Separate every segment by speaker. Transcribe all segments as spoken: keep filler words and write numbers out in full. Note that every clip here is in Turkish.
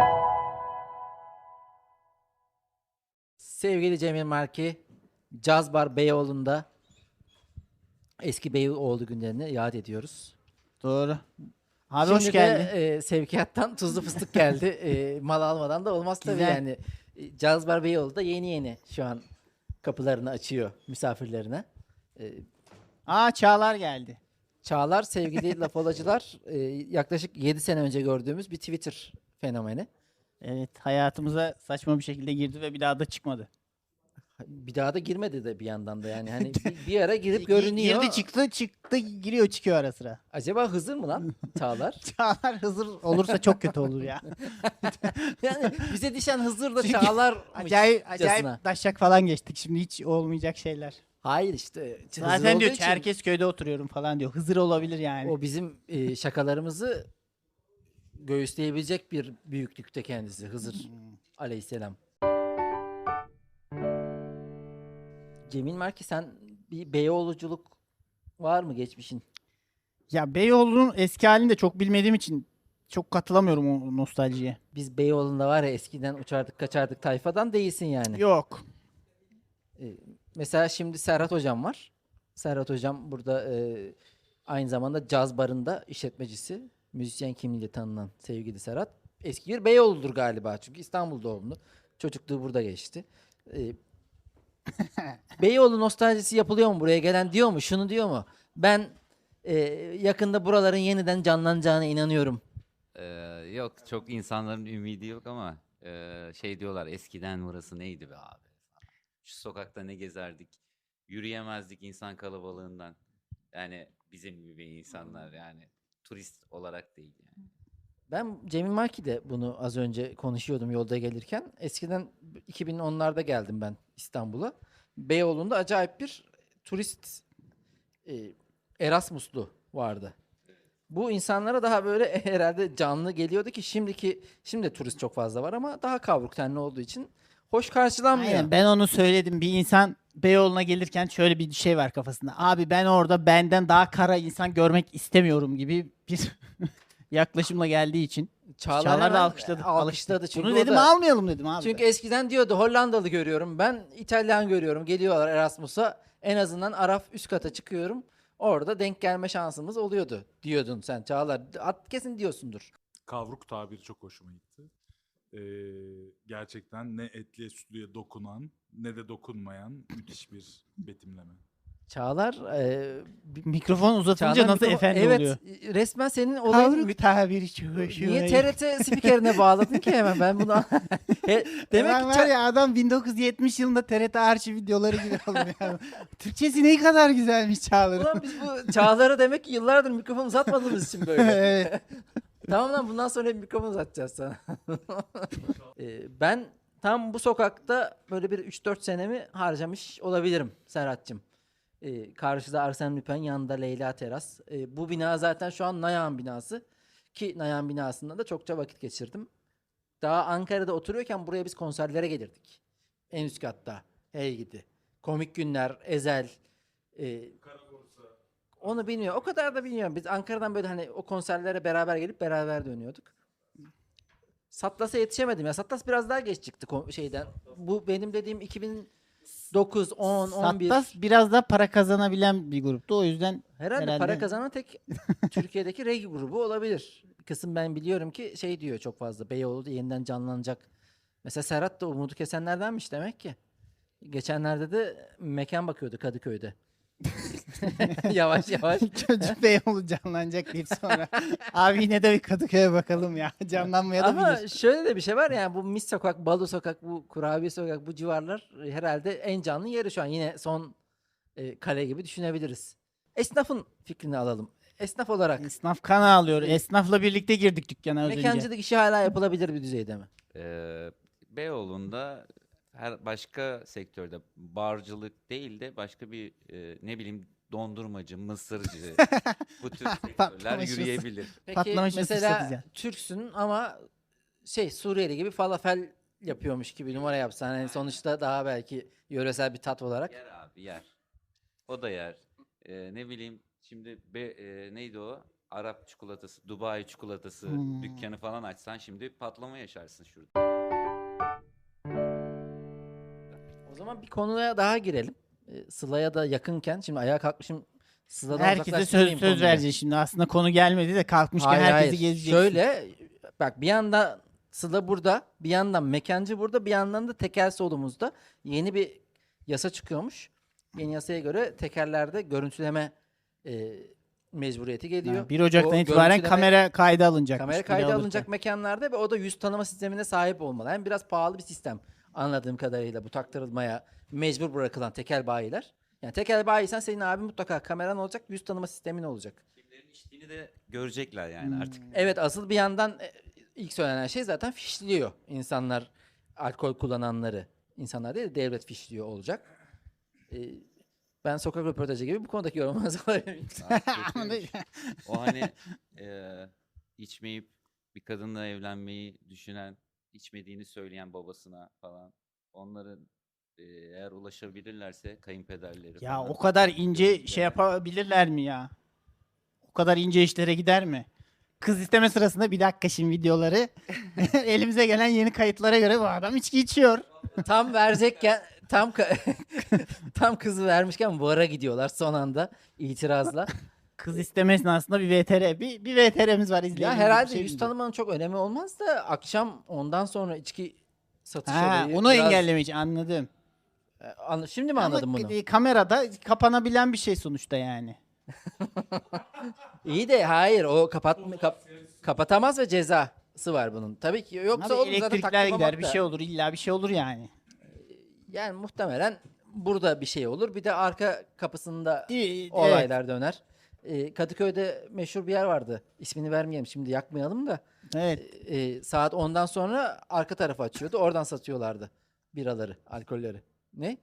Speaker 1: Sevgili Cemil Marki, Caz Bar Beyoğlu'nda eski Beyoğlu günlerini yad ediyoruz.
Speaker 2: Doğru. Abi
Speaker 1: Şimdi
Speaker 2: hoş
Speaker 1: de
Speaker 2: geldin.
Speaker 1: e, sevkiyattan tuzlu fıstık geldi. E, mal almadan da olmaz tabii
Speaker 2: Güzel.
Speaker 1: yani. E, Caz Bar Beyoğlu'da yeni yeni şu an kapılarını açıyor misafirlerine. E,
Speaker 2: Aa Çağlar geldi.
Speaker 1: Çağlar sevgili lafolacılar e, yaklaşık yedi sene önce gördüğümüz bir Twitter fenomeni.
Speaker 2: Evet, hayatımıza saçma bir şekilde girdi ve bir daha da çıkmadı.
Speaker 1: Bir daha da girmedi de bir yandan da yani hani bir, bir ara girip
Speaker 2: Gi-
Speaker 1: görünüyor.
Speaker 2: Girdi çıktı çıktı giriyor çıkıyor ara sıra.
Speaker 1: Acaba Hızır mı lan Çağlar?
Speaker 2: Çağlar Hızır olursa çok kötü olur ya.
Speaker 1: Yani bize düşen Hızır da
Speaker 2: Çünkü
Speaker 1: Çağlar
Speaker 2: Acayip
Speaker 1: mıcasına.
Speaker 2: acayip daşşak falan geçtik. Şimdi hiç olmayacak şeyler.
Speaker 1: Hayır işte Hızır
Speaker 2: Zaten
Speaker 1: olduğu
Speaker 2: diyor
Speaker 1: için
Speaker 2: Çerkezköy'de oturuyorum falan diyor. Hızır olabilir yani.
Speaker 1: o bizim e, şakalarımızı göğüsleyebilecek bir büyüklükte kendisi Hızır
Speaker 2: Hmm.
Speaker 1: aleyhisselam. Cemil Marki sen bir Beyoğluculuk var mı geçmişin?
Speaker 2: Ya Beyoğlu'nun eski halini de çok bilmediğim için çok katılamıyorum o nostaljiye.
Speaker 1: Biz Beyoğlu'nda var ya eskiden uçardık kaçardık tayfadan değilsin yani.
Speaker 2: Yok.
Speaker 1: E, Mesela şimdi Serhat Hocam var. Serhat Hocam burada e, aynı zamanda caz barında işletmecisi. Müzisyen kimliğiyle tanınan sevgili Serhat. Eski bir Beyoğlu'dur galiba çünkü İstanbul doğumlu. Çocukluğu burada geçti. E, Beyoğlu nostaljisi yapılıyor mu buraya gelen diyor mu? Şunu diyor mu? Ben e, yakında buraların yeniden canlanacağına inanıyorum.
Speaker 3: Ee, Yok, çok insanların ümidi yok ama e, şey diyorlar, eskiden burası neydi be abi falan. Şu sokakta ne gezerdik, yürüyemezdik insan kalabalığından. Yani bizim gibi insanlar, yani turist olarak değil yani.
Speaker 1: Ben Cemil Marki de bunu az önce konuşuyordum yolda gelirken. Eskiden iki bin onlarda geldim ben İstanbul'a. Beyoğlu'nda acayip bir turist e, Erasmus'lu vardı. Bu insanlara daha böyle herhalde canlı geliyordu ki şimdiki şimdi de turist çok fazla var ama daha kavruk tenli olduğu için hoş karşılanmıyor.
Speaker 2: Aynen ben onu söyledim. Bir insan Beyoğlu'na gelirken şöyle bir şey var kafasında. Abi ben orada benden daha kara insan görmek istemiyorum gibi bir yaklaşımla geldiği için.
Speaker 1: Çağlar,
Speaker 2: Çağlar da
Speaker 1: hemen
Speaker 2: alkışladı.
Speaker 1: alkışladı çünkü
Speaker 2: Bunu
Speaker 1: o
Speaker 2: dedim
Speaker 1: da-
Speaker 2: almayalım dedim abi.
Speaker 1: Çünkü eskiden diyordu Hollandalı görüyorum ben, İtalyan görüyorum. Geliyorlar Erasmus'a. En azından Araf üst kata çıkıyorum. Orada denk gelme şansımız oluyordu diyordun sen Çağlar. At kesin diyorsundur.
Speaker 4: Kavruk tabiri çok hoşuma gitti. Ee, gerçekten ne etliye sütlüye dokunan ne de dokunmayan müthiş bir betimleme.
Speaker 1: Çağlar e, bir-
Speaker 2: Mikrofon uzatınca
Speaker 1: Çağlar
Speaker 2: nasıl
Speaker 1: mikrofon-
Speaker 2: efendi
Speaker 1: evet,
Speaker 2: oluyor?
Speaker 1: resmen senin olayın
Speaker 2: Kavruk
Speaker 1: mü-
Speaker 2: tabiri çok hoşuma
Speaker 1: Niye
Speaker 2: gitti.
Speaker 1: T R T spikerine bağladın ki hemen ben bunu He, demek
Speaker 2: Hemen
Speaker 1: ki
Speaker 2: var
Speaker 1: Ça-
Speaker 2: ya adam bin dokuz yüz yetmiş yılında T R T arşiv videoları gibi oluyor. Yani. Türkçesi ne kadar güzelmiş Çağlar'ın.
Speaker 1: Ulan biz bu Çağlar'a demek ki yıllardır mikrofon uzatmadığımız için böyle.
Speaker 2: Evet.
Speaker 1: Tamam lan bundan sonra hep mikrofon uzatacağız sana. Ee, ben tam bu sokakta böyle bir üç dört senemi harcamış olabilirim Serhat'cığım. Ee, karşıda Arsene Lupin, yanında Leyla Teras. Ee, bu bina zaten şu an Nayan binası. Ki Nayan binasında da çokça vakit geçirdim. Daha Ankara'da oturuyorken buraya biz konserlere gelirdik. En üst katta. Hey gidi. Komik Günler, Ezel. e, Onu bilmiyorum. O kadar da bilmiyorum. Biz Ankara'dan böyle hani o konserlere beraber gelip beraber dönüyorduk. Satlas'a yetişemedim ya. Satlas biraz daha geç çıktı ko- şeyden. Bu benim dediğim iki bin dokuz, on, on bir.
Speaker 2: Sattas biraz daha para kazanabilen bir gruptu. O yüzden
Speaker 1: Herhalde,
Speaker 2: herhalde-
Speaker 1: para kazanan tek Türkiye'deki reggae grubu olabilir. Bir kısım ben biliyorum ki şey diyor çok fazla. Beyoğlu da yeniden canlanacak. Mesela Serhat da umudu kesenlerdenmiş demek ki. Geçenlerde de mekan bakıyordu Kadıköy'de. Yavaş yavaş.
Speaker 2: çocuk Beyoğlu canlanacak deyip sonra abi yine de bir Kadıköy'e bakalım ya. Canlanmaya da
Speaker 1: Ama
Speaker 2: bilir.
Speaker 1: şöyle de bir şey var yani bu Mis Sokak, Balı Sokak, bu Kurabiye Sokak, bu civarlar e, herhalde en canlı yeri şu an. Yine son e, kale gibi düşünebiliriz. Esnafın fikrini alalım. Esnaf olarak
Speaker 2: Esnaf kan ağlıyor. Esnafla birlikte girdik dükkana az önce.
Speaker 1: mekancılık işi hala yapılabilir bir düzeyde mi?
Speaker 3: Ee, Beyoğlu'nda her başka sektörde, barcılık değil de başka bir e, ne bileyim, dondurmacı, mısırcı, bu tür sektörler
Speaker 2: Patlamış mısır.
Speaker 3: yürüyebilir.
Speaker 1: Peki
Speaker 2: Patlamış mısır
Speaker 1: mesela
Speaker 2: satacağım.
Speaker 1: Türksün ama şey Suriyeli gibi falafel yapıyormuş gibi numara yapsan. Yani sonuçta daha belki yöresel bir tat olarak.
Speaker 3: Yer abi, yer. O da yer. Ee, ne bileyim şimdi be, e, neydi o? Arap çikolatası, Dubai çikolatası
Speaker 2: Hmm.
Speaker 3: dükkanı falan açsan şimdi patlama yaşarsın şurada.
Speaker 1: O zaman bir konuya daha girelim. Ee, Sıla'ya da yakınken şimdi ayağa kalkmışım. Sıla'dan
Speaker 2: Herkese söz,
Speaker 1: uzaklaştırmayayım
Speaker 2: söz
Speaker 1: konuyu.
Speaker 2: vereceğiz şimdi. Aslında konu gelmedi de kalkmışken
Speaker 1: Hayır,
Speaker 2: herkesi
Speaker 1: hayır.
Speaker 2: gezeceksin.
Speaker 1: Şöyle bak, bir yandan Sıla burada, bir yandan mekancı burada, bir yandan da tekel solumuzda yeni bir yasa çıkıyormuş. Yeni yasaya göre tekerlerde görüntüleme e, mecburiyeti geliyor.
Speaker 2: Ha, bir Ocak'tan
Speaker 1: O
Speaker 2: itibaren
Speaker 1: görüntüleme-
Speaker 2: kamera kaydı alınacak.
Speaker 1: kamera kaydı alınacak mekanlarda ve o da yüz tanıma sistemine sahip olmalı. Hem biraz pahalı bir sistem anladığım kadarıyla bu taktırılmaya mecbur bırakılan tekel bayiler. Yani tekel bayiysen senin abin mutlaka kameran olacak, yüz tanıma sistemin olacak.
Speaker 3: Kimlerin içtiğini de görecekler yani artık.
Speaker 1: Evet, asıl bir yandan e, ilk söylenen şey zaten fişliyor. İnsanlar alkol kullananları, insanlar değil de devlet fişliyor olacak. Ee, ben sokak röportajı gibi bu konudaki yorumunuzu alabilirim.
Speaker 3: Abi kötüymüş. O hani eee, içmeyip bir kadınla evlenmeyi düşünen, içmediğini söyleyen babasına falan, onların eee, eğer ulaşabilirlerse kayınpederleri
Speaker 2: Ya
Speaker 3: falan.
Speaker 2: o kadar ince
Speaker 3: görüntüleri.
Speaker 2: şey yapabilirler mi ya? O kadar ince işlere gider mi? Kız isteme sırasında bir dakika şimdi videoları elimize gelen yeni kayıtlara göre bu adam içki içiyor.
Speaker 1: Tam verecekken tam ka- tam kızı vermişken bara gidiyorlar son anda itirazla.
Speaker 2: Kız isteme esnasında bir V T R, bir, bir V T R'miz var izleyelim.
Speaker 1: Ya
Speaker 2: bir
Speaker 1: herhalde
Speaker 2: şey
Speaker 1: yüz
Speaker 2: bilmiyorum.
Speaker 1: tanımanın çok önemi olmaz da akşam ondan sonra içki satış
Speaker 2: Ha,
Speaker 1: olayı
Speaker 2: onu
Speaker 1: biraz-
Speaker 2: engellemek için anladım.
Speaker 1: E, anla- Şimdi mi anladın
Speaker 2: Ama
Speaker 1: bunu?
Speaker 2: e, kamerada kapanabilen bir şey sonuçta yani.
Speaker 1: İyi de hayır, o kapat kap- kapatamaz ve cezası var bunun. Tabii ki yoksa
Speaker 2: Abi
Speaker 1: olur zaten
Speaker 2: elektrikler
Speaker 1: taktırmamak
Speaker 2: gider, bir
Speaker 1: da.
Speaker 2: şey olur, illa bir şey olur yani.
Speaker 1: Yani muhtemelen burada bir şey olur. Bir de arka kapısında
Speaker 2: Değil- evet.
Speaker 1: olaylar döner. Ee, Kadıköy'de meşhur bir yer vardı. İsmini vermeyelim şimdi, yakmayalım da.
Speaker 2: Evet.
Speaker 1: Ee, saat ondan sonra arka tarafı açıyordu. Oradan satıyorlardı biraları, alkolleri. Ne?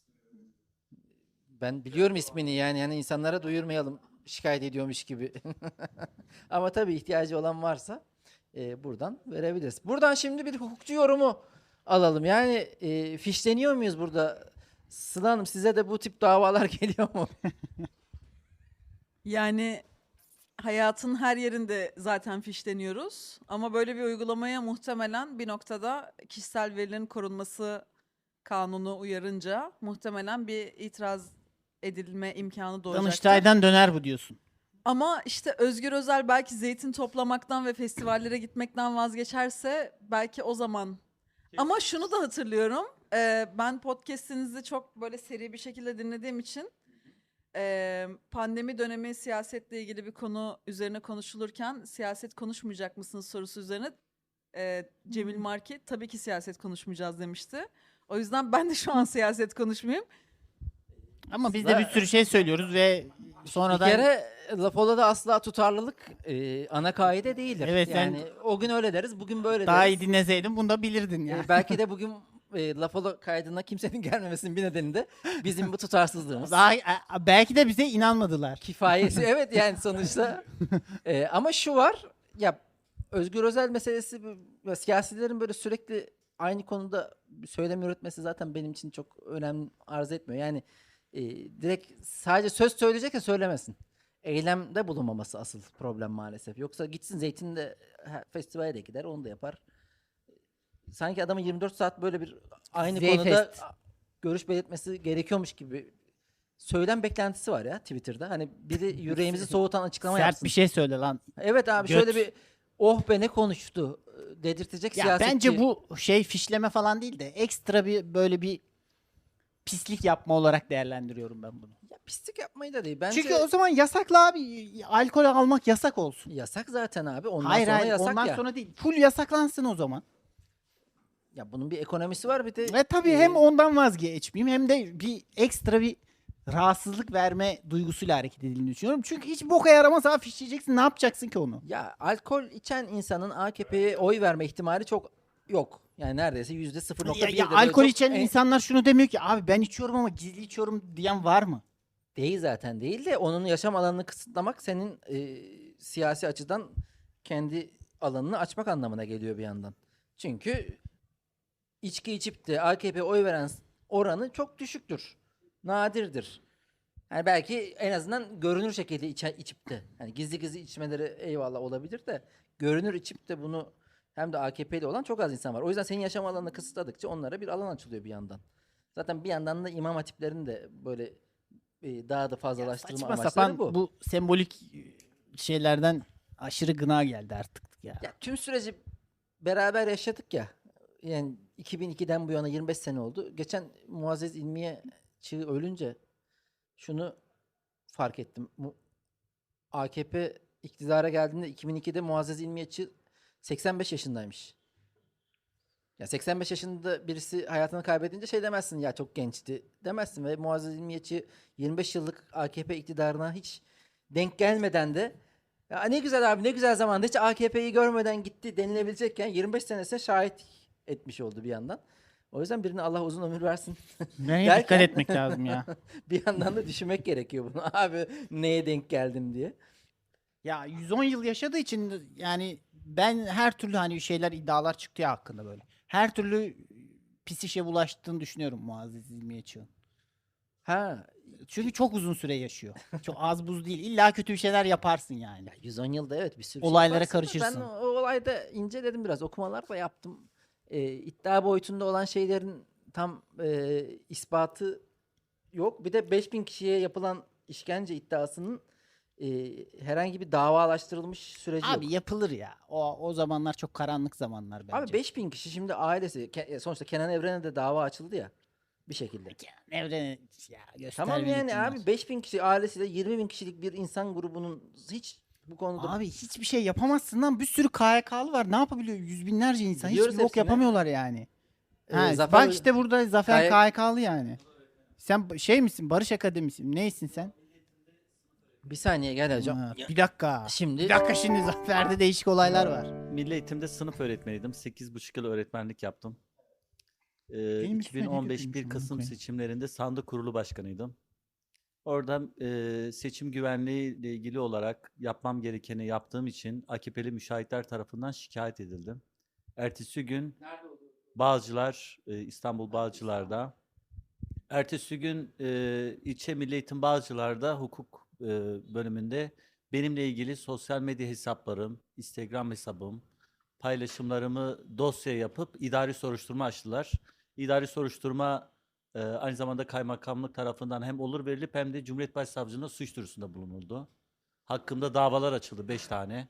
Speaker 1: Ben biliyorum ismini, yani yani insanlara duyurmayalım, şikayet ediyormuş gibi. Ama tabii ihtiyacı olan varsa e, buradan verebiliriz. Buradan şimdi bir hukukçu yorumu alalım. Yani e, fişleniyor muyuz burada? Sıla Hanım, size de bu tip davalar geliyor mu?
Speaker 5: Yani hayatın her yerinde zaten fişleniyoruz. Ama böyle bir uygulamaya muhtemelen bir noktada kişisel verilerin korunması kanunu uyarınca muhtemelen bir itiraz edilme imkanı doğacaktır.
Speaker 2: Danıştay'dan döner bu diyorsun.
Speaker 5: Ama işte Özgür Özel belki zeytin toplamaktan ve festivallere gitmekten vazgeçerse belki o zaman. Ama şunu da hatırlıyorum. e, ben podcast'inizi çok böyle seri bir şekilde dinlediğim için e, pandemi dönemi siyasetle ilgili bir konu üzerine konuşulurken siyaset konuşmayacak mısınız sorusu üzerine e, Cemil Marki tabii ki siyaset konuşmayacağız demişti. O yüzden ben de şu an siyaset konuşmayayım.
Speaker 2: Ama biz de bir sürü şey söylüyoruz ve sonradan
Speaker 1: Bir kere laf ola da asla tutarlılık e, ana kaide değildir.
Speaker 2: Evet, sen-
Speaker 1: yani o gün öyle deriz, bugün böyle
Speaker 2: daha
Speaker 1: deriz.
Speaker 2: iyi dinleseydin bunu da bilirdin ya.
Speaker 1: E, belki de bugün e, laf ola kaydına kimsenin gelmemesinin bir nedeni de bizim bu tutarsızlığımız.
Speaker 2: Daha, e, belki de bize inanmadılar.
Speaker 1: Kifayesi, evet, yani sonuçta. E, ama şu var ya, Özgür Özel meselesi, bu- siyasilerin böyle sürekli aynı konuda söylem üretmesi zaten benim için çok önem arz etmiyor. Yani e, direkt sadece söz söyleyecek ya söylemesin. Eylemde bulunmaması asıl problem maalesef. Yoksa gitsin Zeytin'de ha, festivale de gider, onu da yapar. Sanki adamın yirmi dört saat böyle bir aynı
Speaker 2: Zeyfest.
Speaker 1: konuda görüş belirtmesi gerekiyormuş gibi söylem beklentisi var ya Twitter'da. Hani biri yüreğimizi soğutan açıklama
Speaker 2: Sert
Speaker 1: yapsın.
Speaker 2: bir şey söyle lan.
Speaker 1: Evet abi,
Speaker 2: Göt.
Speaker 1: şöyle bir oh be ne konuştu e, dedirtecek
Speaker 2: Ya
Speaker 1: siyasetçi.
Speaker 2: bence bu şey fişleme falan değil de ekstra bir böyle bir pislik yapma olarak değerlendiriyorum ben bunu.
Speaker 1: Ya pislik yapmayı da değil. Bence
Speaker 2: Çünkü o zaman yasakla abi, alkol almak yasak olsun.
Speaker 1: yasak zaten abi. Ondan
Speaker 2: hayır
Speaker 1: sonra
Speaker 2: hayır
Speaker 1: yasak
Speaker 2: ondan
Speaker 1: ya.
Speaker 2: sonra değil. Full yasaklansın o zaman.
Speaker 1: Ya bunun bir ekonomisi var, bir de.
Speaker 2: Ve tabii
Speaker 1: e,
Speaker 2: hem ondan vazgeçmeyeyim hem de bir ekstra bir rahatsızlık verme duygusuyla hareket edildiğini düşünüyorum. Çünkü hiç boka yaramaz abi, fişleyeceksin, ne yapacaksın ki onu?
Speaker 1: Ya alkol içen insanın A K P'ye oy verme ihtimali çok yok. Yani neredeyse yüzde sıfır nokta
Speaker 2: Ya,
Speaker 1: bir.
Speaker 2: ya alkol içen insanlar şunu demiyor ki abi ben içiyorum ama gizli içiyorum diyen var mı?
Speaker 1: Değil zaten, değil de onun yaşam alanını kısıtlamak senin e, siyasi açıdan kendi alanını açmak anlamına geliyor bir yandan. Çünkü içki içip de A K P'ye oy veren oranı çok düşüktür. Nadirdir. Yani belki en azından görünür şekilde içe, içip de. Yani gizli gizli içmeleri eyvallah olabilir de görünür içip de bunu hem de A K P'li olan çok az insan var. O yüzden senin yaşam alanını kısıtladıkça onlara bir alan açılıyor bir yandan. Zaten bir yandan da imam hatiplerin de böyle e, daha da fazlalaştırma
Speaker 2: Saçma
Speaker 1: amaçları
Speaker 2: sapan
Speaker 1: bu.
Speaker 2: bu. sembolik şeylerden aşırı gına geldi artık ya.
Speaker 1: Ya tüm süreci beraber yaşadık ya. Yani iki bin ikiden bu yana yirmi beş sene oldu. Geçen Muazzez İlmiye Çığ ölünce şunu fark ettim. Mu- A K P iktidara geldiğinde iki bin ikide Muazzez İlmiye Çığ seksen beş yaşındaymış. Ya seksen beş yaşında birisi hayatını kaybedince şey demezsin ya çok gençti demezsin ve Muazzez İlmiye Çığ yirmi beş yıllık A K P iktidarına hiç denk gelmeden de ya ne güzel abi ne güzel zamanda hiç A K P'yi görmeden gitti denilebilecekken yirmi beş senesine şahit etmiş oldu bir yandan. O yüzden birine Allah uzun ömür versin.
Speaker 2: Neye
Speaker 1: Derken-
Speaker 2: dikkat etmek lazım ya.
Speaker 1: Bir yandan da düşünmek gerekiyor bunu. Abi neye denk geldim diye.
Speaker 2: Ya yüz on yıl yaşadığı için yani ben her türlü hani şeyler iddialar çıktı ya hakkında böyle. Her türlü pis işe bulaştığını düşünüyorum Muazzez İlmiye Çığ'ın.
Speaker 1: Ha
Speaker 2: Çünkü çok uzun süre yaşıyor. Çok az buz değil. İlla kötü bir şeyler yaparsın yani.
Speaker 1: ya yüz on yılda evet bir sürü
Speaker 2: Olaylara
Speaker 1: şey yaparsın da
Speaker 2: karışırsın.
Speaker 1: Ben o, o olayda inceledim biraz. Okumalar da yaptım. Ee, iddia boyutunda olan şeylerin tam e, ispatı yok. Bir de beş bin kişiye yapılan işkence iddiasının e, herhangi bir davalaştırılmış süreci
Speaker 2: Abi
Speaker 1: yok.
Speaker 2: yapılır ya. O o zamanlar çok karanlık zamanlar bence.
Speaker 1: Abi beş bin kişi şimdi ailesi Ke- sonuçta Kenan Evren'e de dava açıldı ya bir şekilde.
Speaker 2: Evrene ya göster
Speaker 1: Tamam
Speaker 2: beni
Speaker 1: yani
Speaker 2: gitsinler.
Speaker 1: abi beş bin kişi ailesiyle yirmi bin kişilik bir insan grubunun hiç bu konuda
Speaker 2: Abi hiçbir şey yapamazsın lan. Bir sürü K Y K'lı var. Ne yapabiliyor? Yüz binlerce insan.
Speaker 1: Biliyoruz
Speaker 2: Hiçbir bok
Speaker 1: hepsini.
Speaker 2: yapamıyorlar yani.
Speaker 1: Ee,
Speaker 2: Ha,
Speaker 1: Zafer-
Speaker 2: bak işte burada Zafer
Speaker 1: K Y
Speaker 2: K Y K'lı yani. Sen ba- şey misin? Barış Akademisi mi? Neysin sen?
Speaker 1: bir saniye gel hocam.
Speaker 2: Ha, bir dakika.
Speaker 1: Şimdi
Speaker 2: Bir dakika şimdi Zafer'de değişik olaylar var.
Speaker 6: Milli Eğitim'de sınıf öğretmeniydim. sekiz buçuk yıl öğretmenlik yaptım. Ee,
Speaker 2: Benim üstüme ne
Speaker 6: iki bin on beş
Speaker 2: dökülmüş
Speaker 6: bir
Speaker 2: amına
Speaker 6: Kasım
Speaker 2: koyayım?
Speaker 6: seçimlerinde sandık kurulu başkanıydım. Orada e, seçim güvenliği ile ilgili olarak yapmam gerekeni yaptığım için A K P'li müşahitler tarafından şikayet edildim. Ertesi gün Bağcılar, e, İstanbul Bağcılar'da. Ertesi gün e, ilçe Milli Eğitim Bağcılar'da hukuk e, bölümünde benimle ilgili sosyal medya hesaplarım, Instagram hesabım, paylaşımlarımı dosya yapıp idari soruşturma açtılar. İdari soruşturma e, aynı zamanda kaymakamlık tarafından hem olur verilip hem de Cumhuriyet Başsavcılığına suç duyurusunda bulunuldu. Hakkımda davalar açıldı beş tane.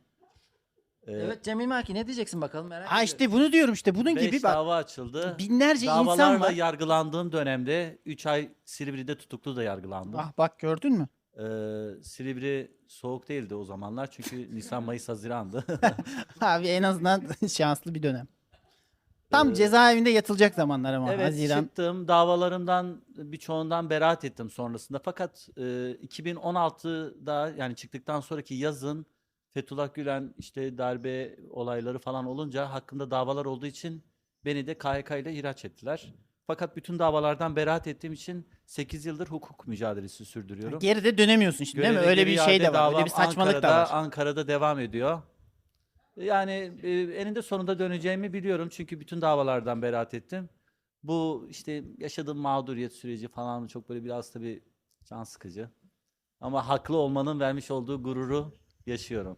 Speaker 6: E,
Speaker 1: evet Cemil Maki ne diyeceksin bakalım merak
Speaker 2: Ha
Speaker 1: ediyorum.
Speaker 2: işte bunu diyorum işte. Bunun
Speaker 6: beş
Speaker 2: gibi bak.
Speaker 6: dava açıldı.
Speaker 2: Binlerce insan
Speaker 6: Davalarla
Speaker 2: var.
Speaker 6: yargılandığım dönemde üç ay Silivri'de tutuklu da yargılandım.
Speaker 2: Ah bak gördün mü?
Speaker 6: Ee, Silivri soğuk değildi o zamanlar çünkü Nisan, Mayıs, Haziran'dı.
Speaker 2: Abi en azından şanslı bir dönem. Tam
Speaker 6: Ee,
Speaker 2: cezaevinde yatılacak zamanlar ama
Speaker 6: evet
Speaker 2: Haziran.
Speaker 6: çıktım. Davalarımdan birçoğundan beraat ettim sonrasında. Fakat e, iki bin on altıda yani çıktıktan sonraki yazın Fethullah Gülen işte darbe olayları falan olunca hakkında davalar olduğu için beni de K Y K ile ihraç ettiler. Fakat bütün davalardan beraat ettiğim için sekiz yıldır hukuk mücadelesi sürdürüyorum.
Speaker 2: Geride dönemiyorsun şimdi değil mi?
Speaker 6: Göreve
Speaker 2: Öyle
Speaker 6: geri
Speaker 2: bir şey de
Speaker 6: iade
Speaker 2: var. Öyle
Speaker 6: davam
Speaker 2: bir saçmalık
Speaker 6: Ankara'da,
Speaker 2: da var.
Speaker 6: Ankara'da devam ediyor. Yani e, eninde sonunda döneceğimi biliyorum çünkü bütün davalardan beraat ettim. Bu işte yaşadığım mağduriyet süreci falan çok böyle biraz tabii can sıkıcı. Ama haklı olmanın vermiş olduğu gururu yaşıyorum.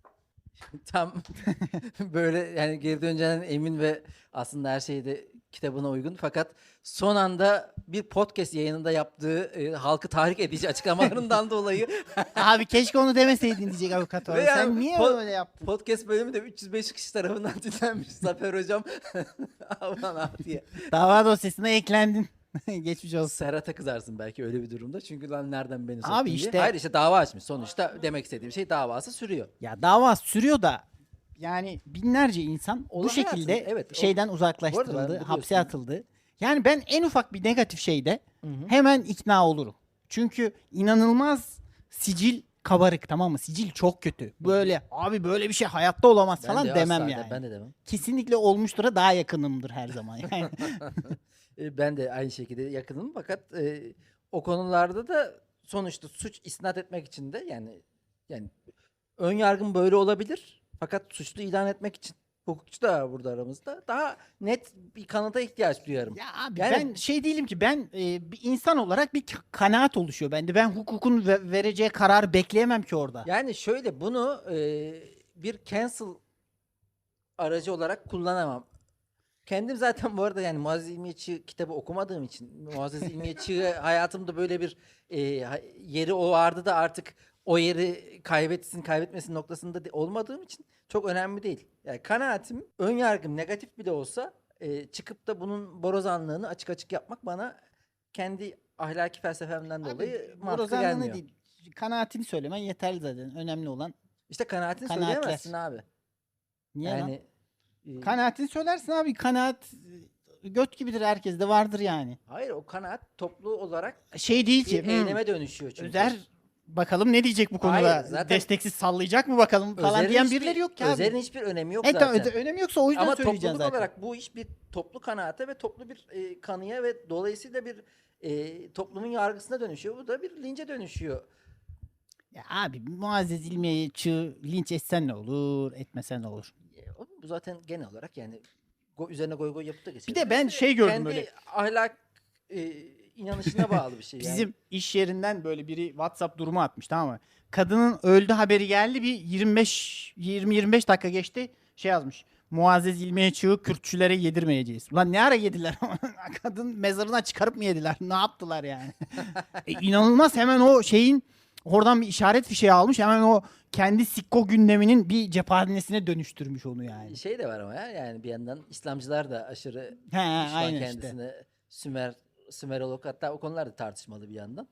Speaker 1: Tam böyle yani geri döneceğinden emin ve aslında her şey de kitabına uygun. Fakat son anda bir podcast yayınında yaptığı e, halkı tahrik edici açıklamalarından dolayı
Speaker 2: Abi keşke onu demeseydin diyecek avukat var.
Speaker 1: Ve
Speaker 2: Sen
Speaker 1: yani
Speaker 2: niye
Speaker 1: po-
Speaker 2: öyle yaptın?
Speaker 1: podcast bölümü de üç yüz beş kişi tarafından dinlenmiş. Zafer hocam aman abi diye.
Speaker 2: Dava dosyasına eklendin. Geçmiş olsun.
Speaker 1: Serhat'a kızarsın belki öyle bir durumda. Çünkü lan nereden beni soktun
Speaker 2: Abi
Speaker 1: diye.
Speaker 2: işte-
Speaker 1: Hayır işte dava açmış. Sonuçta demek istediğim şey davası sürüyor.
Speaker 2: Ya dava sürüyor da yani binlerce insan bu
Speaker 1: Olan
Speaker 2: şekilde
Speaker 1: hayatın, evet, o-
Speaker 2: şeyden
Speaker 1: Bu arada ben
Speaker 2: uzaklaştırıldı,
Speaker 1: biliyorsun-
Speaker 2: hapse atıldı. Yani ben en ufak bir negatif şeyde
Speaker 1: Hı hı.
Speaker 2: hemen ikna olurum. Çünkü inanılmaz sicil kabarık, tamam mı? Sicil çok kötü. Böyle abi böyle bir şey hayatta olamaz
Speaker 1: Ben
Speaker 2: falan
Speaker 1: de
Speaker 2: demem
Speaker 1: asla de-
Speaker 2: yani.
Speaker 1: Ben de demem.
Speaker 2: Kesinlikle olmuştura daha yakınımdır her zaman. Yani
Speaker 1: E, Ben de aynı şekilde yakınım fakat e, o konularda da sonuçta suç isnat etmek için de yani yani ön yargım böyle olabilir fakat suçlu ilan etmek için hukukçu da var burada aramızda. Daha net bir kanıta ihtiyaç duyarım.
Speaker 2: Ya abi
Speaker 1: Yani-
Speaker 2: ben şey değilim ki ben e, bir insan olarak bir k- kanaat oluşuyor bende. Ben hukukun ve- vereceği kararı bekleyemem ki orada.
Speaker 1: Yani şöyle bunu e, bir cancel aracı olarak kullanamam. Kendim zaten bu arada yani Muazzez İlmiye kitabı okumadığım için Muazzez İlmiye hayatımda böyle bir e, ha- yeri o vardı da artık o yeri kaybetsin kaybetmesin noktasında de- olmadığım için çok önemli değil. Yani kanaatim, ön yargım negatif bile olsa e, çıkıp da bunun borazanlığını açık açık yapmak bana kendi ahlaki felsefemden dolayı mantıklı
Speaker 2: borazanlığını
Speaker 1: gelmiyor.
Speaker 2: değil, kanaatini söylemen yeterli zaten. Önemli olan
Speaker 1: İşte kanaatini
Speaker 2: Kanaatler.
Speaker 1: söyleyemezsin abi.
Speaker 2: niye lan?
Speaker 1: Yani e,
Speaker 2: Kanaatini söylersin abi. Kanaat e, göt gibidir, herkeste vardır yani.
Speaker 1: hayır o kanaat toplu olarak
Speaker 2: Şey değil
Speaker 1: bir
Speaker 2: ki. hmm,
Speaker 1: eyleme dönüşüyor çünkü.
Speaker 2: Özer bakalım ne diyecek bu konuda?
Speaker 1: Hayır, zaten-
Speaker 2: Desteksiz sallayacak mı bakalım falan
Speaker 1: Özer'in
Speaker 2: diyen
Speaker 1: hiçbir-
Speaker 2: birileri yok ki abi.
Speaker 1: Özer'in hiçbir önemi yok
Speaker 2: E tamam,
Speaker 1: zaten.
Speaker 2: öde- önemi yoksa o yüzden
Speaker 1: Ama
Speaker 2: söyleyeceksin
Speaker 1: topluluk
Speaker 2: zaten.
Speaker 1: olarak bu iş bir toplu kanaate ve toplu bir e, kanıya ve dolayısıyla bir e, toplumun yargısına dönüşüyor. Bu da bir lince dönüşüyor.
Speaker 2: Ya abi Muazzez İlmiye'yi çığ linç etsen ne olur, etmesen ne olur.
Speaker 1: E, o- Bu zaten genel olarak yani go, üzerine goy goy yapıp da geçiyor.
Speaker 2: Bir de ben şey gördüm
Speaker 1: Kendi
Speaker 2: böyle.
Speaker 1: ahlak e, inanışına bağlı bir şey. yani.
Speaker 2: Bizim iş yerinden böyle biri WhatsApp durumu atmış, tamam mı? Kadının öldü haberi geldi, bir yirmi beş yirmi yirmi beş dakika geçti, şey yazmış. Muazzez İlmiye çığı Kürtçülere yedirmeyeceğiz. Ulan ne ara yediler? Kadın mezarına çıkarıp mı yediler? Ne yaptılar yani? e, inanılmaz, hemen o şeyin oradan bir işaret fişeği almış. Hemen o kendi sikko gündeminin bir cephanesine dönüştürmüş onu yani.
Speaker 1: Şey de var ama ya yani bir yandan İslamcılar da aşırı
Speaker 2: He,
Speaker 1: düşman
Speaker 2: aynen işte.
Speaker 1: kendisine Sümer Sümerolog, hatta o konular da tartışmalı bir yandan.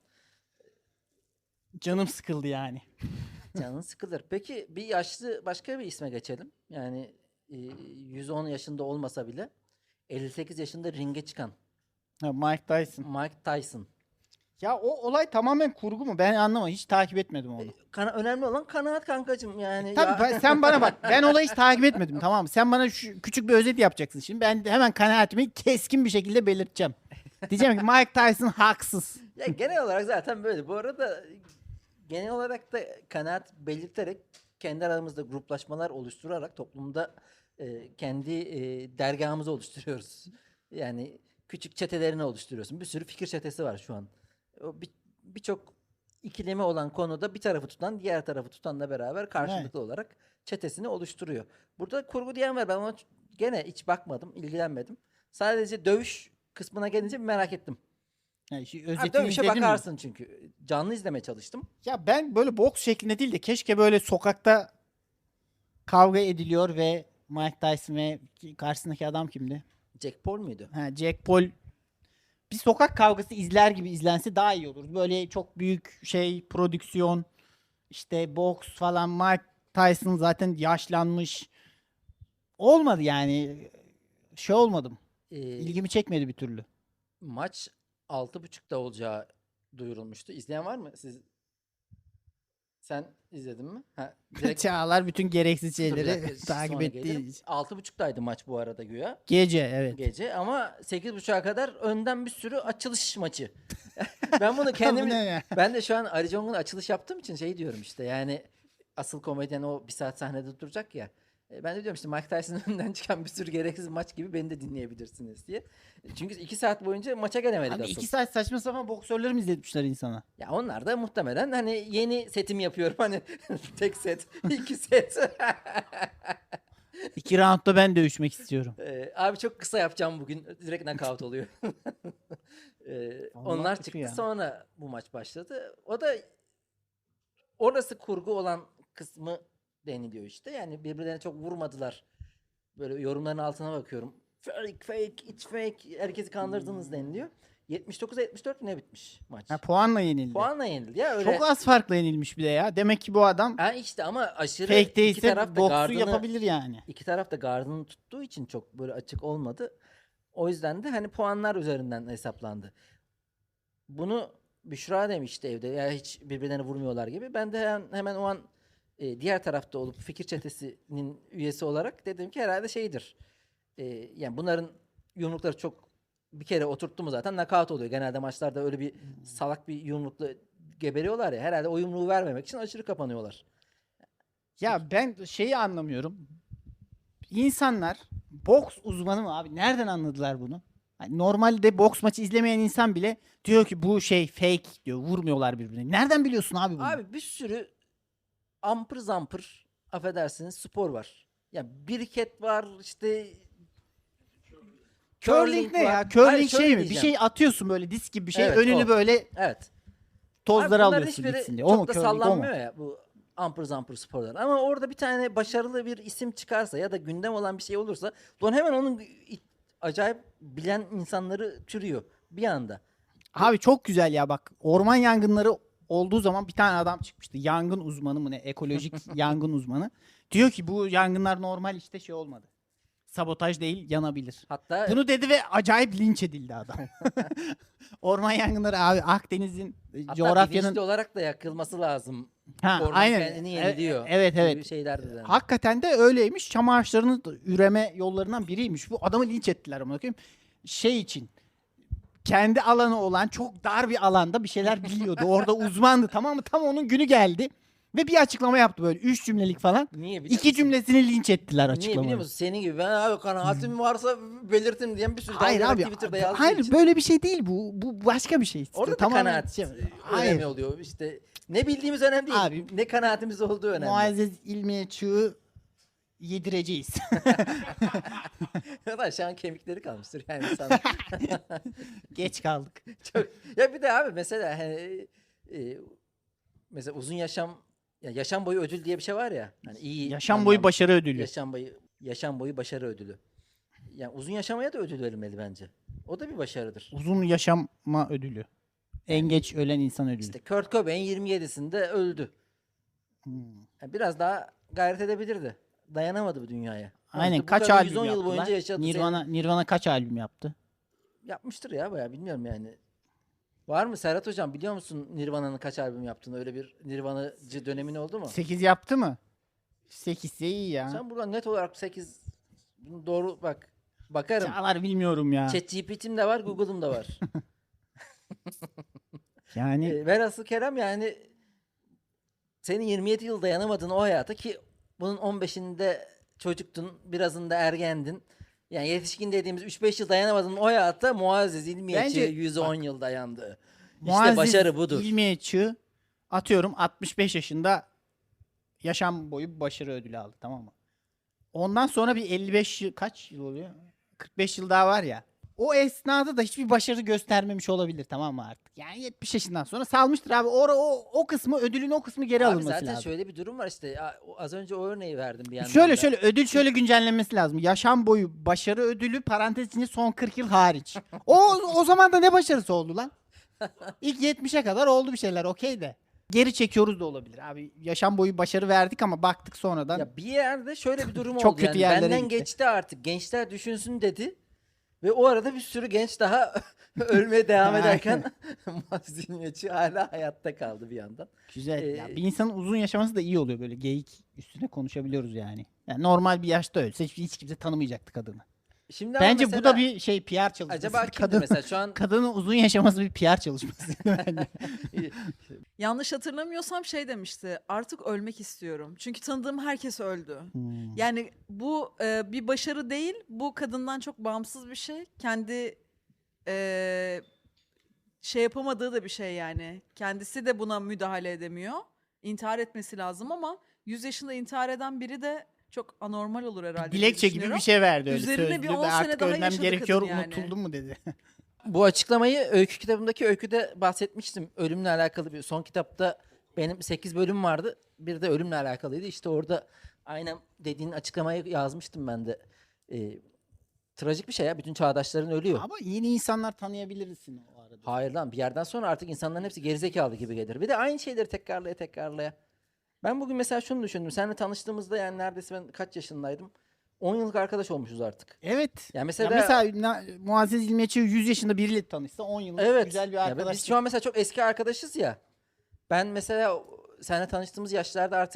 Speaker 2: Canım sıkıldı yani.
Speaker 1: Canın sıkılır. Peki bir yaşlı başka bir isme geçelim. Yani e, yüz on yaşında olmasa bile elli sekiz yaşında ringe çıkan
Speaker 2: Ha, Mike Tyson.
Speaker 1: Mike Tyson.
Speaker 2: Ya o olay tamamen kurgu mu? Ben anlamadım. Hiç takip etmedim onu.
Speaker 1: Kana- önemli olan kanaat kankacığım yani.
Speaker 2: Tabii
Speaker 1: ya-
Speaker 2: ben- sen bana bak. Ben olayı hiç takip etmedim, tamam mı? Sen bana şu küçük bir özet yapacaksın şimdi. Ben de hemen kanaatimi keskin bir şekilde belirteceğim. Diyeceğim ki Mike Tyson haksız.
Speaker 1: Ya genel olarak zaten böyle. Bu arada genel olarak da kanaat belirterek kendi aramızda gruplaşmalar oluşturarak toplumda e, kendi e, dergahımızı oluşturuyoruz. Yani küçük çetelerini oluşturuyorsun. Bir sürü fikir çetesi var şu an. O bir- birçok ikilemi olan konuda bir tarafı tutan diğer tarafı tutanla beraber karşılıklı olarak çetesini oluşturuyor. Burada kurgu diyen var. Ben ona ç- gene hiç bakmadım, ilgilenmedim. Sadece dövüş kısmına gelince bir merak ettim.
Speaker 2: Yani şu
Speaker 1: Ha,
Speaker 2: özetini
Speaker 1: dövüşe
Speaker 2: izledin mi?
Speaker 1: bakarsın çünkü. Canlı izlemeye çalıştım.
Speaker 2: Ya ben böyle boks şeklinde değil de keşke böyle sokakta kavga ediliyor ve Mike Tyson ve karşısındaki adam kimdi?
Speaker 1: Jack Paul muydu?
Speaker 2: Ha, Jack Paul bir sokak kavgası izler gibi izlense daha iyi olur. Böyle çok büyük şey prodüksiyon, işte boks falan. Mike Tyson zaten yaşlanmış. Olmadı yani. Şey olmadım.
Speaker 1: Ee,
Speaker 2: İlgimi çekmedi bir türlü.
Speaker 1: maç altı buçukta olacağı duyurulmuştu. İzleyen var mı? Siz Sen izledin mi? Ha, direkt
Speaker 2: Çağlar bütün gereksiz
Speaker 1: Dur bir
Speaker 2: şeyleri
Speaker 1: dakika,
Speaker 2: takip
Speaker 1: sonra
Speaker 2: ettiği
Speaker 1: gelirim.
Speaker 2: için.
Speaker 1: altı buçuktaydı maç bu arada güya.
Speaker 2: Gece evet.
Speaker 1: Gece ama sekiz buçuğa kadar önden bir sürü açılış maçı. Ben bunu
Speaker 2: Bu
Speaker 1: kendim
Speaker 2: ne ya?
Speaker 1: ben de şu an Ali Jong'un açılış yaptığım için şey diyorum işte yani asıl komedyen o bir saat sahnede duracak ya. E, Ben de diyorum işte Mike Tyson'ın önünden çıkan bir sürü gereksiz maç gibi beni de dinleyebilirsiniz diye. Çünkü iki saat boyunca maça gelemedik
Speaker 2: Abi
Speaker 1: asıl.
Speaker 2: iki saat saçma sapan boksörleri mi izletmişler insana?
Speaker 1: Ya onlar da muhtemelen hani yeni setim yapıyorum hani tek set, iki set.
Speaker 2: İki roundda ben dövüşmek istiyorum.
Speaker 1: Ee, abi çok kısa yapacağım bugün. Direkt knockout oluyor. Ee,
Speaker 2: Allah
Speaker 1: onlar
Speaker 2: kötü
Speaker 1: çıktı
Speaker 2: ya.
Speaker 1: sonra bu maç başladı. O da orası kurgu olan kısmı deniliyor işte. Yani birbirlerine çok vurmadılar. Böyle yorumların altına bakıyorum. Fake, fake, it's fake. Herkesi kandırdınız deniliyor. yetmiş dokuza yetmiş dört ne bitmiş maç?
Speaker 2: Ha, puanla yenildi.
Speaker 1: Puanla yenildi ya öyle.
Speaker 2: Çok az farkla yenilmiş bir de ya. Demek ki bu adam
Speaker 1: Ha işte ama aşırı
Speaker 2: fake
Speaker 1: iki
Speaker 2: değilse
Speaker 1: taraf da
Speaker 2: boksu
Speaker 1: gardını-
Speaker 2: yapabilir yani.
Speaker 1: İki taraf da gardını tuttuğu için çok böyle açık olmadı. O yüzden de hani puanlar üzerinden hesaplandı. Bunu Büşra demişti evde. Ya hiç birbirlerine vurmuyorlar gibi. Ben de hemen, hemen o an e, diğer tarafta olup fikir çetesinin üyesi olarak dedim ki herhalde şeydir. E, yani bunların yumrukları çok bir kere oturttu mu zaten knockout oluyor. Genelde maçlarda öyle bir salak bir yumrukla geberiyorlar ya. Herhalde o yumruğu vermemek için aşırı kapanıyorlar.
Speaker 2: Ya ben şeyi anlamıyorum. insanlar boks uzmanı mı abi? Nereden anladılar bunu? Hani normalde boks maçı izlemeyen insan bile diyor ki bu şey fake diyor. Vurmuyorlar birbirine. Nereden biliyorsun abi bunu?
Speaker 1: Abi bir sürü ampır zampır affedersiniz spor var. Ya biriket var işte
Speaker 2: curling ne
Speaker 1: var.
Speaker 2: ya? Curling
Speaker 1: Hayır, şöyle
Speaker 2: şey mi? Bir
Speaker 1: diyeceğim.
Speaker 2: şey atıyorsun böyle disk gibi bir şey.
Speaker 1: Evet,
Speaker 2: önünü
Speaker 1: o.
Speaker 2: böyle
Speaker 1: Evet. Abi
Speaker 2: tozları
Speaker 1: bunların
Speaker 2: alıyorsun
Speaker 1: hiçbiri
Speaker 2: gitsin diye. O
Speaker 1: çok
Speaker 2: mu
Speaker 1: da
Speaker 2: curling? O mu?
Speaker 1: sallanmıyor ya bu ampır zampır sporlar. Ama orada bir tane başarılı bir isim çıkarsa ya da gündem olan bir şey olursa don hemen onun i- acayip bilen insanları türüyor bir anda.
Speaker 2: Abi çok güzel ya bak. Orman yangınları olduğu zaman bir tane adam çıkmıştı. Yangın uzmanı mı ne? Ekolojik yangın uzmanı. Diyor ki bu yangınlar normal işte şey olmadı. Sabotaj değil, yanabilir.
Speaker 1: Hatta
Speaker 2: Bunu dedi ve acayip linç edildi adam. Orman yangınları abi Akdeniz'in e,
Speaker 1: hatta
Speaker 2: coğrafyanın
Speaker 1: bilinçli olarak da yakılması lazım.
Speaker 2: ha,
Speaker 1: Orman
Speaker 2: aynen.
Speaker 1: kendini
Speaker 2: E-
Speaker 1: yeniliyor.
Speaker 2: Evet
Speaker 1: gibi
Speaker 2: evet.
Speaker 1: şeyler dedi.
Speaker 2: Hakikaten de öyleymiş. Çam ağaçlarının da üreme yollarından biriymiş. Bu adamı linç ettiler ama bakayım. Şey için kendi alanı olan çok dar bir alanda bir şeyler biliyordu. Orada uzmandı tamam mı? Tam onun günü geldi. Ve bir açıklama yaptı böyle. Üç cümlelik falan.
Speaker 1: Niye biliyor
Speaker 2: İki
Speaker 1: musun?
Speaker 2: cümlesini linç ettiler
Speaker 1: Niye biliyor
Speaker 2: açıklamayı.
Speaker 1: musun? Senin gibi ben abi kanaatim varsa belirtin diyen bir sürü
Speaker 2: Hayır
Speaker 1: dalga
Speaker 2: abi.
Speaker 1: Twitter'da yazdığı
Speaker 2: Hayır
Speaker 1: için.
Speaker 2: böyle bir şey değil bu. Bu başka bir şey.
Speaker 1: Orada da
Speaker 2: Tamamen
Speaker 1: kanaat
Speaker 2: şey-
Speaker 1: önemli
Speaker 2: Hayır.
Speaker 1: oluyor. İşte ne bildiğimiz önemli değil.
Speaker 2: Abi,
Speaker 1: ne kanaatimiz olduğu önemli.
Speaker 2: Muazzez ilmiye çığ yedireceğiz.
Speaker 1: Ya da şu an kemikleri kalmıştır yani sana.
Speaker 2: Geç kaldık.
Speaker 1: Çok... Ya bir de abi mesela hani, e, mesela uzun yaşam ya yaşam boyu ödül diye bir şey var ya. Hani iyi
Speaker 2: Yaşam boyu
Speaker 1: anlamda-
Speaker 2: başarı ödülü.
Speaker 1: Yaşam boyu yaşam boyu başarı ödülü. Yani uzun yaşamaya da ödül verilmeli bence. O da bir başarıdır.
Speaker 2: Uzun yaşama ödülü. En geç ölen insan ödülü.
Speaker 1: İşte Kurt Cobain yirmi yedisinde öldü.
Speaker 2: Hmm.
Speaker 1: Yani biraz daha gayret edebilirdi. Dayanamadı bu dünyaya.
Speaker 2: Aynen
Speaker 1: Sonuçta bu
Speaker 2: kaç
Speaker 1: kadın
Speaker 2: albüm
Speaker 1: yüz on yıl
Speaker 2: yaptılar?
Speaker 1: boyunca yaşadı.
Speaker 2: Nirvana, Nirvana kaç albüm yaptı?
Speaker 1: Senin- Yapmıştır ya bayağı bilmiyorum yani. Var mı Serhat Hocam biliyor musun Nirvana'nın kaç albüm yaptığını? Öyle bir Nirvanacı dönemin oldu mu?
Speaker 2: sekiz yaptı mı? sekiz iyi ya.
Speaker 1: Sen buradan net olarak sekiz doğru bak. Bakarım.
Speaker 2: Çağlar bilmiyorum ya.
Speaker 1: ChatGPT'm de var, Google'ım da var.
Speaker 2: Yani
Speaker 1: E, velhasıl Kerem yani senin yirmi yedi yıl dayanamadığın o hayata ki bunun on beşinde çocuktun, birazında ergendin. Yani yetişkin dediğimiz üç beş yıl dayanamadığın o hayata Muazzez İlmiyeçi
Speaker 2: Bence-
Speaker 1: yüz on yıl dayandı. İşte
Speaker 2: Muazzez
Speaker 1: başarı budur.
Speaker 2: İlmiye Çığ atıyorum altmış beş yaşında yaşam boyu başarı ödülü aldı tamam mı? Ondan sonra bir elli beş yıl kaç yıl oluyor? kırk beş yıl daha var ya. O esnada da hiçbir başarı göstermemiş olabilir tamam mı artık? Yani yetmiş yaşından sonra salmıştır abi. O, o, o kısmı ödülün o kısmı geri
Speaker 1: Abi
Speaker 2: alınması
Speaker 1: zaten
Speaker 2: lazım.
Speaker 1: şöyle bir durum var işte. a- o- Az önce o örneği verdim bir yandan
Speaker 2: Şöyle
Speaker 1: da.
Speaker 2: şöyle ödül şöyle güncellenmesi lazım. Yaşam boyu başarı ödülü parantez içinde son kırk yıl hariç. O o zaman da ne başarısı oldu lan? İlk yetmişe kadar oldu bir şeyler okey de. Geri çekiyoruz da olabilir abi. Yaşam boyu başarı verdik ama baktık sonradan.
Speaker 1: Ya bir yerde şöyle bir durum
Speaker 2: Çok
Speaker 1: oldu.
Speaker 2: kötü
Speaker 1: yani
Speaker 2: yerlere
Speaker 1: benden
Speaker 2: gitti.
Speaker 1: geçti artık. Gençler düşünsün dedi. Ve o arada bir sürü genç daha ölmeye devam ederken Muazzez İlmiyeçi hala hayatta kaldı bir yandan.
Speaker 2: Güzel. Ya
Speaker 1: Ee,
Speaker 2: bir insanın uzun yaşaması da iyi oluyor böyle geyik üstüne konuşabiliyoruz yani. Yani normal bir yaşta ölse hiç, hiç kimse tanımayacaktı kadını.
Speaker 1: Şimdi ama
Speaker 2: Bence bu
Speaker 1: mesela
Speaker 2: da bir şey P R çalışması.
Speaker 1: acaba kimdi
Speaker 2: Kadın,
Speaker 1: mesela şu an
Speaker 2: kadının uzun yaşaması bir P R çalışması bence.
Speaker 5: Yanlış hatırlamıyorsam şey demişti. Artık ölmek istiyorum. Çünkü tanıdığım herkes öldü.
Speaker 2: Hmm.
Speaker 5: Yani bu e, bir başarı değil. Bu kadından çok bağımsız bir şey. Kendi e, şey yapamadığı da bir şey yani. Kendisi de buna müdahale edemiyor. İntihar etmesi lazım ama yüz yaşında intihar eden biri de çok anormal olur herhalde. diye
Speaker 2: Dilekçe gibi
Speaker 5: düşünüyorum.
Speaker 2: bir şey verdi öyle
Speaker 5: Üzerine
Speaker 2: sözlü
Speaker 5: bir
Speaker 2: ve
Speaker 5: on sene
Speaker 2: artık
Speaker 5: daha
Speaker 2: ölmem
Speaker 5: yaşadı
Speaker 2: gerekiyor
Speaker 5: kadın yani.
Speaker 2: unutuldun mu dedi.
Speaker 1: bu açıklamayı öykü kitabımdaki öyküde bahsetmiştim. Ölümle alakalı bir son kitapta benim sekiz bölüm vardı. Bir de ölümle alakalıydı. İşte orada aynen dediğin açıklamayı yazmıştım ben de. Ee, trajik bir şey ya. Bütün çağdaşların ölüyor.
Speaker 2: Ama yeni insanlar tanıyabilirsin o arada.
Speaker 1: Hayır lan bir yerden sonra artık insanların hepsi gerizekalı gibi gelir. Bir de aynı şeyleri tekrarlaya tekrarlaya. Ben bugün mesela şunu düşündüm. Seninle tanıştığımızda yani neredeyse ben kaç yaşındaydım? on yıllık arkadaş olmuşuz artık.
Speaker 2: Evet.
Speaker 1: Yani
Speaker 2: Ya
Speaker 1: mesela,
Speaker 2: mesela, na- Muazzez İlmiyeçi yüz yaşında biriyle tanışsa on yıllık
Speaker 1: evet.
Speaker 2: güzel bir
Speaker 1: Ya
Speaker 2: arkadaş.
Speaker 1: biz şu an mesela çok eski arkadaşız ya. Ben mesela o- seninle tanıştığımız yaşlarda artık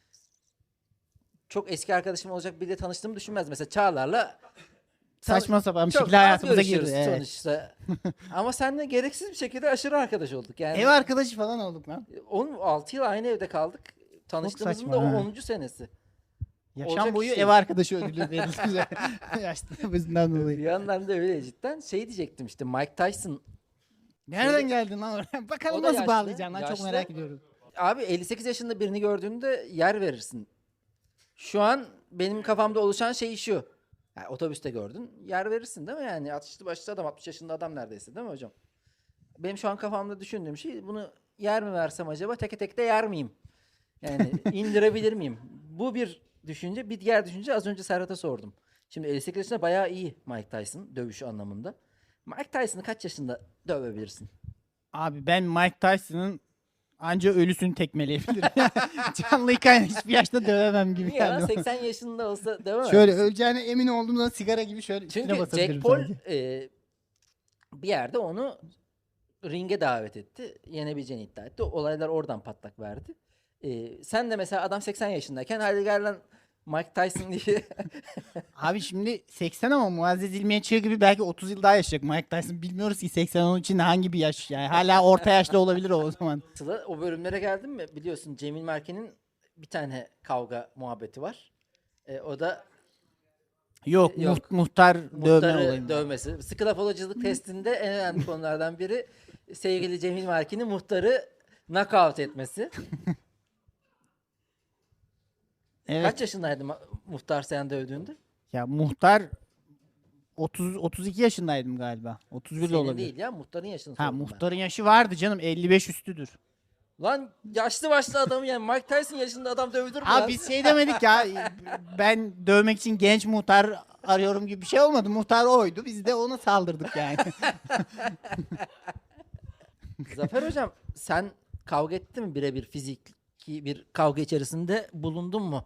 Speaker 1: çok eski arkadaşım olacak biriyle tanıştığımı düşünmez. Mesela Çağlar'la
Speaker 2: Saçma sapan bir
Speaker 1: çok
Speaker 2: şekilde
Speaker 1: az
Speaker 2: hayatımıza
Speaker 1: görüşüyoruz
Speaker 2: girdi. Evet.
Speaker 1: sonuçta. Ama seninle gereksiz bir şekilde aşırı arkadaş olduk. Yani
Speaker 2: Ev arkadaşı falan olduk lan.
Speaker 1: on altı yıl aynı evde kaldık. Tanıştığımızın
Speaker 2: saçma
Speaker 1: da o
Speaker 2: ha.
Speaker 1: onuncu senesi.
Speaker 2: Yaşam
Speaker 1: Olacak
Speaker 2: boyu
Speaker 1: iş değil.
Speaker 2: ev arkadaşı ödülü verildi. Yaşlılığımızdan dolayı.
Speaker 1: Bir yandan da öyle cidden. Şey diyecektim işte Mike Tyson.
Speaker 2: Nereden
Speaker 1: Şeyde-
Speaker 2: geldin lan oraya? Bakalım
Speaker 1: O da
Speaker 2: nasıl
Speaker 1: yaşlı,
Speaker 2: bağlayacaksın lan çok
Speaker 1: yaşlı.
Speaker 2: merak ediyorum.
Speaker 1: Abi elli sekiz yaşında birini gördüğünde yer verirsin. Şu an benim kafamda oluşan şey şu. Yani otobüste gördün yer verirsin değil mi yani? altmışlı başlı adam altmış yaşında adam neredeyse değil mi hocam? Benim şu an kafamda düşündüğüm şey bunu yer mi versem acaba teke tek de yer miyim? Yani indirebilir miyim? Bu bir düşünce. Bir diğer düşünce az önce Serhat'a sordum. Şimdi elli sekiz yaşında bayağı iyi Mike Tyson dövüş anlamında. Mike Tyson'ı kaç yaşında dövebilirsin?
Speaker 2: Abi ben Mike Tyson'ın anca ölüsünü tekmeleyebilirim. Canlıyken hiçbir yaşta dövemem gibi.
Speaker 1: Niye lan?
Speaker 2: yani.
Speaker 1: seksen yaşında olsa dövemez
Speaker 2: Şöyle
Speaker 1: misin?
Speaker 2: öleceğine emin olduğumda sigara gibi şöyle üstüne
Speaker 1: Çünkü
Speaker 2: basabilirim
Speaker 1: Jack Paul
Speaker 2: sadece.
Speaker 1: e, bir yerde onu ringe davet etti. Yenebileceğini iddia etti. Olaylar oradan patlak verdi. E, sen de mesela adam seksen yaşındayken hadi gel lan Mike Tyson diye.
Speaker 2: Abi şimdi seksen ama Muazzez İlmiye Çığ gibi belki otuz yıl daha yaşayacak Mike Tyson. Bilmiyoruz ki seksen onun için hangi bir yaş yani. Hala orta yaşlı olabilir o, o zaman.
Speaker 1: Sıla o bölümlere geldin mi? Biliyorsun Cemil Merke'nin bir tane kavga muhabbeti var. E, o da
Speaker 2: Yok,
Speaker 1: Yok.
Speaker 2: muht- muhtar dövme
Speaker 1: muhtarı
Speaker 2: olayı.
Speaker 1: dövmesi. Skilafoloculuk testinde en önemli konulardan biri sevgili Cemil Merke'nin muhtarı knockout etmesi.
Speaker 2: Evet.
Speaker 1: Kaç yaşındaydı ma- muhtar sen dövdüğünde?
Speaker 2: Ya muhtar otuz otuz iki yaşındaydım galiba. otuz bir de
Speaker 1: Senin
Speaker 2: olabilir.
Speaker 1: değil ya muhtarın yaşını
Speaker 2: Ha
Speaker 1: sordum ben.
Speaker 2: muhtarın yaşı vardı canım elli beş üstüdür.
Speaker 1: Lan yaşlı başlı adamı yani Mike Tyson yaşında adam dövülür mü
Speaker 2: Abi
Speaker 1: lan?
Speaker 2: biz şey demedik ya ben dövmek için genç muhtar arıyorum gibi bir şey olmadı. Muhtar oydu biz de ona saldırdık yani.
Speaker 1: Zafer hocam sen kavga ettin mi birebir fiziki bir kavga içerisinde bulundun mu?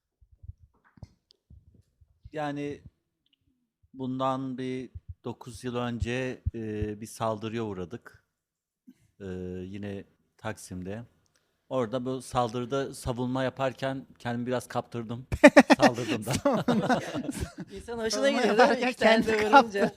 Speaker 6: Yani bundan bir dokuz yıl önce e, bir saldırıya uğradık. E, yine Taksim'de. Orada bu saldırıda savunma yaparken kendimi biraz kaptırdım. Saldırdım da.
Speaker 1: İnsan hoşuna
Speaker 2: Savunma
Speaker 1: gidiyor değil mi?
Speaker 2: yaparken
Speaker 1: İki tane de
Speaker 2: kendini
Speaker 1: vurunca.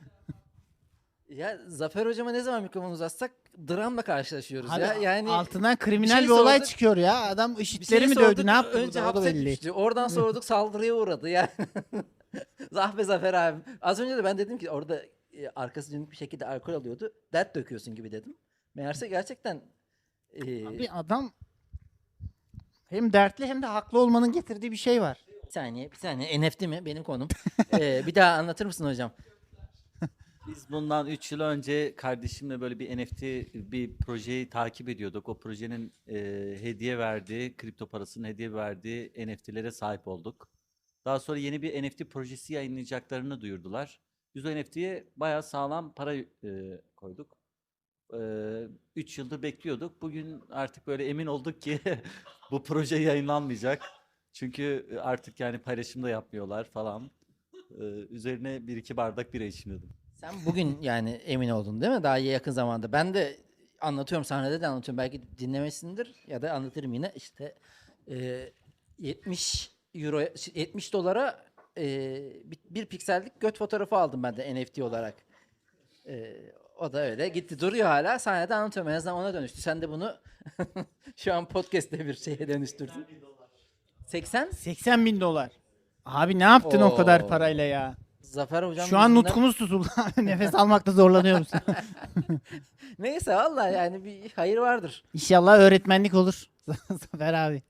Speaker 1: Ya Zafer hocama ne zaman mikrofonu uzatsak dramla karşılaşıyoruz
Speaker 2: Abi
Speaker 1: ya. Yani
Speaker 2: altından kriminal
Speaker 1: bir
Speaker 2: bir,
Speaker 1: şey
Speaker 2: olay
Speaker 1: sorduk.
Speaker 2: çıkıyor ya. Adam
Speaker 1: bir
Speaker 2: IŞİD'leri
Speaker 1: şey
Speaker 2: mi
Speaker 1: sorduk,
Speaker 2: dövdü ne yaptı?
Speaker 1: önce
Speaker 2: burada? O da
Speaker 1: hapse
Speaker 2: belli.
Speaker 1: düştü. Oradan sorduk saldırıya uğradı yani. Zahbe Zafer abi. Az önce de ben dedim ki orada e, arkası dönük bir şekilde alkol alıyordu. Dert döküyorsun gibi dedim. Meğerse gerçekten e,
Speaker 2: Abi adam hem dertli hem de haklı olmanın getirdiği bir şey var.
Speaker 1: bir saniye bir saniye N F T mi benim konum. E, bir daha anlatır mısın hocam?
Speaker 6: Biz bundan üç yıl önce kardeşimle böyle bir N F T bir projeyi takip ediyorduk. O projenin e, hediye verdiği, kripto parasının hediye verdiği N F T'lere sahip olduk. Daha sonra yeni bir N F T projesi yayınlayacaklarını duyurdular. Biz o N F T'ye bayağı sağlam para e, koyduk. üç yıldır bekliyorduk. Bugün artık böyle emin olduk ki bu proje yayınlanmayacak. Çünkü artık yani paylaşım da yapmıyorlar falan. E, üzerine bir iki bardak bira içmiyordum.
Speaker 1: Sen bugün yani emin oldun değil mi? Daha yakın zamanda. Ben de anlatıyorum sahnede de anlatıyorum. Belki dinlemesindir ya da anlatırım yine. İşte e, yetmiş euro yetmiş dolara e, bir, bir piksellik göt fotoğrafı aldım ben de N F T olarak. E, o da öyle gitti duruyor hala. Sahnede anlatıyorum. En azından ona dönüştü. Sen de bunu şu an podcast'te bir şeye dönüştürdün. seksen?
Speaker 2: seksen bin dolar. Abi ne yaptın o kadar
Speaker 1: Oo.
Speaker 2: parayla ya?
Speaker 1: Zafer hocam
Speaker 2: Şu an
Speaker 1: yüzünden-
Speaker 2: nutkumuz tutuldu. Nefes almakta zorlanıyoruz.
Speaker 1: Neyse vallahi yani bir hayır vardır.
Speaker 2: İnşallah öğretmenlik olur. Zafer abi.